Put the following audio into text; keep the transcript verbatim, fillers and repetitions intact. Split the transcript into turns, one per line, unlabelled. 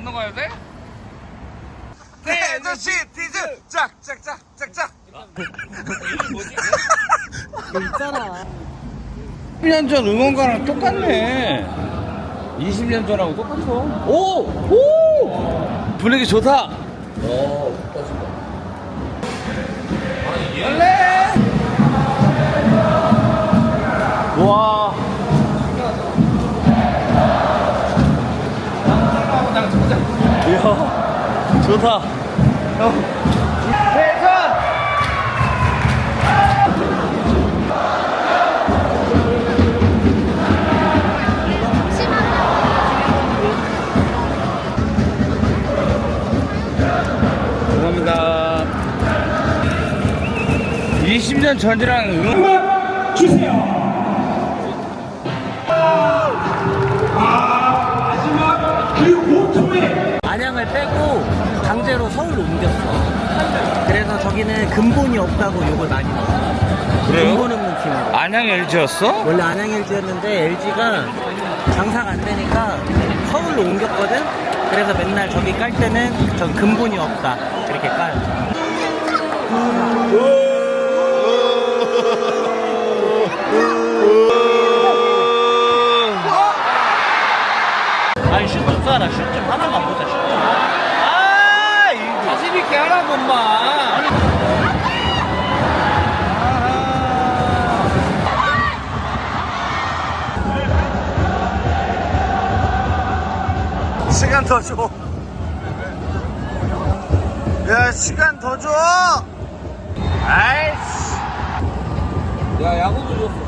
건너가야 돼?
대전 시티즈 짝짝짝 짝짝.
뭐지?
있잖아.
십 년 전 응원가랑 똑같네. 이십 년 전하고 똑같아. 오! 오! 분위기 좋다. 오, 좋다, 좋다. 원래! 와. 이야, 좋다. 대전! 감사합니다. 이십 년 전이랑 응원
주세요. 아, 마지막 그 고통의
안양을 빼고 강제로 서울로 옮겼어. 그래서 저기는 근본이 없다고 욕을 많이 먹어.
그래요?
근본 없는 팀이고.
안양 엘지였어?
원래 안양 엘지였는데 엘지가 장사가 안 되니까 서울로 옮겼거든. 그래서 맨날 저기 깔 때는 전 근본이 없다 이렇게 까요. 아니 슛 좀 쏴라. 슛 좀 하나만 보자. 슛 좀. 아 이거
자신 있게 하라고 엄마.
시간 더 줘. 야, 시간 더 줘. 아이씨.
야 야구도 줬어.